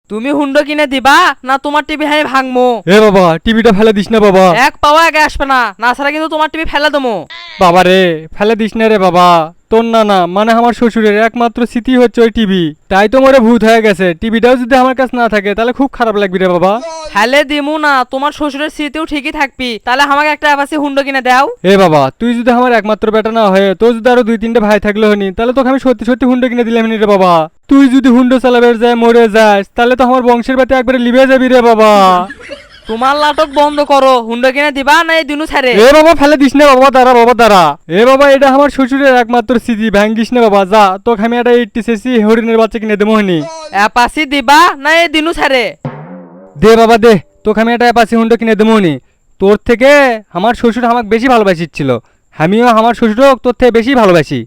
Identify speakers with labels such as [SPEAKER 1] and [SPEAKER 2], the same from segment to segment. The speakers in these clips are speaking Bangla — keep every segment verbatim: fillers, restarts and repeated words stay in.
[SPEAKER 1] তুমি হুন্ডো কিনে দিবা না তোমার টিভি আমি ভাঙমো?
[SPEAKER 2] এ বাবা টিভিটা ফেলে দিস না বাবা।
[SPEAKER 1] এক পাওয়া আগে আসবে না, না ছাড়া কিন্তু তোমার টিভি ফেলে দেবো।
[SPEAKER 2] বাবা রে ফেলে দিস না রে বাবা। তোর না না মানে আমার শ্বশুরের একমাত্র স্মৃতি হচ্ছে ওই টিভি, তাই তো মরে ভূত হয়ে গেছে। টিভিটাও যদি আমার কাছে না থাকে তাহলে খুব খারাপ লাগবে রে বাবা।
[SPEAKER 1] ফেলে দিমু না, তোমার শ্বশুরের স্মৃতিও ঠিকই থাকবি। তাহলে আমাকে একটা অ্যাপাসি হুন্ডো কিনে দাও।
[SPEAKER 2] এ বাবা তুই যদি আমার একমাত্র বেটা না হয়ে তোর যদি আরো দুই তিনটে ভাই থাকলে হনি তাহলে তোকে আমি সত্যি সত্যি হুন্ডো কিনে দিলাম রে বাবা। তুই যদি হুন্ডো চালাবে যায় মরে যাস তাহলে তো আমার বংশের বাতি একবারে লিবে যাবি রে বাবা।
[SPEAKER 1] তোমার নাটক বন্ধ করো, হুন্ডো কিনে দিবা না এই দিনু ছাড়ে?
[SPEAKER 2] এ বাবা ফেলে দিস না বাবা, দাঁড়া বাবা দাঁড়া। এ বাবা এটা আমার শ্বশুরের একমাত্র স্মৃতি, ভাঙ্গিস না বাবা। যা তোকে আমি একটা এইটটি সিসি হরিণের বাচ্চা কিনে দেবো হনি।
[SPEAKER 1] অ্যাপাসি দিবা না এই দিনু ছাড়ে?
[SPEAKER 2] দে বাবা দে, তোকে আমি একটা অ্যাপাসি হুন্ডো কিনে দেবো হনি। তোর থেকে আমার শ্বশুর আমাকে বেশি ভালোবাসিচ্ছিল, আমিও আমার শ্বশুরও তোর থেকে বেশি ভালোবাসি।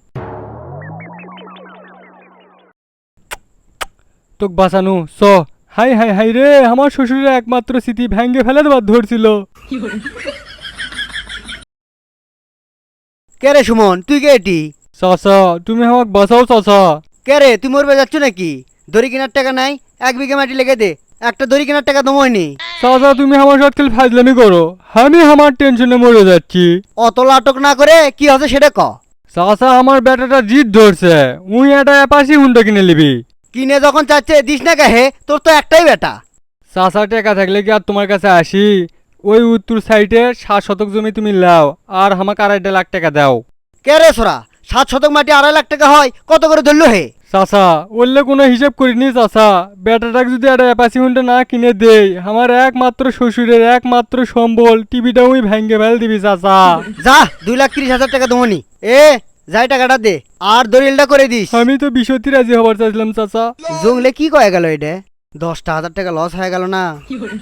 [SPEAKER 2] তোকে বাঁচানো স। হাই হাই হাই রে, আমার শ্বশুরের একমাত্র স্মৃতি ভেঙ্গে ফেলে দেবার ধরছিল।
[SPEAKER 3] কে রে সুমন, তুই কে এটি?
[SPEAKER 2] চাচা তুমি আমাকে বাঁচাও চাচা।
[SPEAKER 3] কে রে, তুই মরবে যাচ্ছ নাকি? দড়ি কেনার টাকা নাই? এক বিঘা মাটি লেগে দে, একটা দড়ি কেনার টাকা দময়নি।
[SPEAKER 2] চাচা তুমি আমার সাথে খালি ফাজলামি করো, আমি আমার টেনশনে মরে যাচ্ছি।
[SPEAKER 3] অত নাটক না করে কি হচ্ছে সেটা ক।
[SPEAKER 2] চাচা আমার বেটাটা জিদ ধরছে, উই একটা অ্যাপাসি হুন্ডা কিনে নিবি।
[SPEAKER 3] কিনে যখন চাচ্ছে দিস না কাহে, তোর তো একটাই বেটা।
[SPEAKER 2] চাচা টাকা থাকলে কি আর তোমার কাছে আসি? ওই উত্তর সাইডে সাত শতক জমি তুমি লাও আর আমাকে আড়াইটা লাখ টাকা দাও।
[SPEAKER 3] কে রে সোরা, সাত শতক মাটি আড়াই লাখ টাকা হয়, কত করে ধরলো হে?
[SPEAKER 2] চাচা বললে কোনো হিসাব করিনি চাচা, বেটাটাকে যদি একটা অ্যাপাসি হুন্ডা না কিনে দেই আমার একমাত্র শ্বশুরের একমাত্র সম্বল টিভিটা ওই ভেঙ্গে ফেল দিবি চাচা।
[SPEAKER 3] যা দুই লাখ তিরিশ হাজার টাকা দমনি। এ যাই টাকাটা দে আর দলিলটা করে দিস।
[SPEAKER 2] আমি তো বিশতি রাজি হবার চাইছিলাম চাচা।
[SPEAKER 3] জংলে কি কয়ে গেল এটা? দশটা হাজার টাকা লস হয়ে গেল না?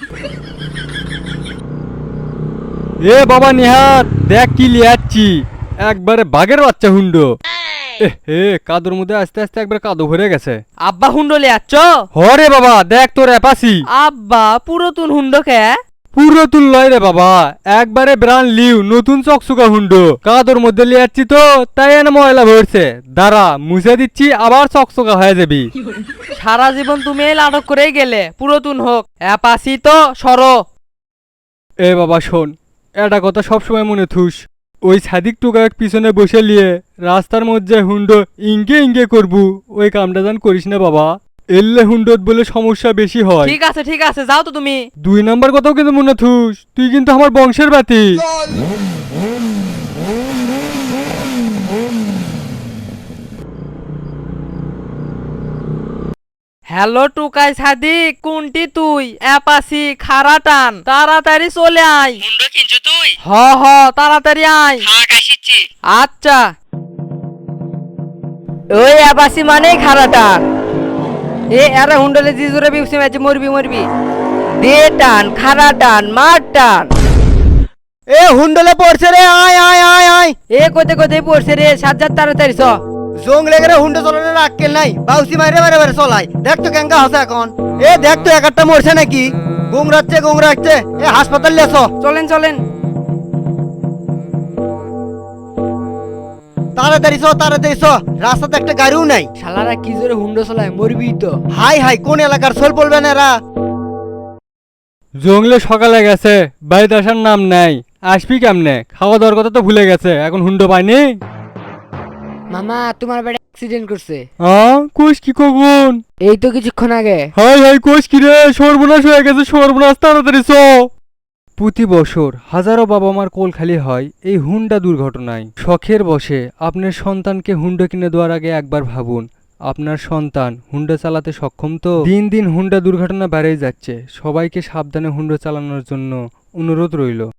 [SPEAKER 2] এ বাবা নিহাত দেখ কি লিয়াচ্ছি, একবারে বাঘের বাচ্চা হুন্ডো। এ কাদুর মধ্যে আস্তে আস্তে একবার কাদু ভরে গেছে।
[SPEAKER 1] আব্বা হুন্ডো লে আচ্ছ?
[SPEAKER 2] হরে বাবা দেখ তোর অ্যাপাসি।
[SPEAKER 1] আব্বা পুরাতন হুন্ডো কে?
[SPEAKER 2] পুরো তুল লয় রে বাবা, একবারে ব্রান্ড লিউ নতুন চকচকা হুন্ডো। কাদুর মধ্যে লিয়াচ্ছি তো তাই এনে ময়লা ভরছে, দাঁড়া মুছে দিচ্ছি আবার চকচকা হয়ে যাবি।
[SPEAKER 1] সারা জীবন তুমি এই নাটক করেই গেলে, পুরাতন হোক অ্যাপাসি তো সরো।
[SPEAKER 2] এ বাবা শোন, এটা কথা সবসময় মনে থুস। ওই সাদিক টুকা এক পিছনে বসে লিয়ে রাস্তার মধ্যে হুন্ডো ইঙ্গে ইঙ্গে করবু, ওই কামটা জান করিস না বাবা। এললে হুন্ডোত বলে সমস্যা বেশি হয়।
[SPEAKER 1] ঠিক আছে ঠিক আছে, যাও তো তুমি।
[SPEAKER 2] দুই নাম্বার কথাও কিন্তু মনে থুস, তুই কিন্তু আমার বংশের বাতি।
[SPEAKER 1] হ্যালো টুকাই সাদিক, কোনটি তুই? অ্যাপাসি খারা টান, তাড়াতাড়ি চলে আয়।
[SPEAKER 4] হুন্ডো কিনছো তুই?
[SPEAKER 1] হ হ তাড়াতাড়ি আয়।
[SPEAKER 4] থাক আসিচ্ছি।
[SPEAKER 1] আচ্ছা।
[SPEAKER 5] ওই আবাসি মানে খারাটা এ আরে হুন্ডলে জি জোরে বিউসি ম্যাচে মরবি মরবি দে টান খারা টান মার টান
[SPEAKER 3] এ হুন্ডলে পড়ছে রে, আয় আয় আয় আয়।
[SPEAKER 5] এ কোতে কোতে পড়ছে রে সাজ্জাদ তাড়াতাড়ি চ
[SPEAKER 3] জং লেগে রে, হুন্ডে চলানোর আক্কেল নাই, বাউসি মাইরে মারে মারে চলাই। দেখ তো কেঙ্কা হসে এখন। এ দেখ তো এক একটা মরছে নাকি, গুংরাচ্ছে গুংরাচ্ছে। এ হাসপাতাল লেছ।
[SPEAKER 5] চলেন চলেন
[SPEAKER 3] তাড়াতাড়ি চ তাড়াতাড়ি চ, রাস্তাতে একটা গাড়িও নাই।
[SPEAKER 5] শালারা কি জোরে হুন্ডো চলায় মরবি তো
[SPEAKER 3] হাই হাই, কোন এলাকার সোল পড়বে না এরা?
[SPEAKER 2] জঙ্গলে সকালে গেছে, বাড়িতে আসার নাম নাই। আসবি কেমনে? খাওয়া দাওয়ার কথা তো ভুলে গেছে, এখন হুন্ডো পাইনি।
[SPEAKER 5] মামা তোমার বেটা অ্যাক্সিডেন্ট করছে।
[SPEAKER 2] হ্যাঁ কোষ কি কখন?
[SPEAKER 5] এই তো কিছুক্ষণ আগে।
[SPEAKER 2] হাই হাই কোষ কি রে, সর্বনাশ হয়ে গেছে সর্বনাশ, তাড়াতাড়ি চ। প্রতি বছর হাজারো বাবা মার কোল খালি হয় এই হুন্ডা দুর্ঘটনায়। শখের বসে আপনার সন্তানকে হুন্ডা কিনে দেওয়ার আগে একবার ভাবুন আপনার সন্তান হুন্ডা চালাতে সক্ষম তো। দিন দিন হুন্ডা দুর্ঘটনা বেড়েই যাচ্ছে, সবাইকে সাবধানে হুন্ডা চালানোর জন্য অনুরোধ রইল।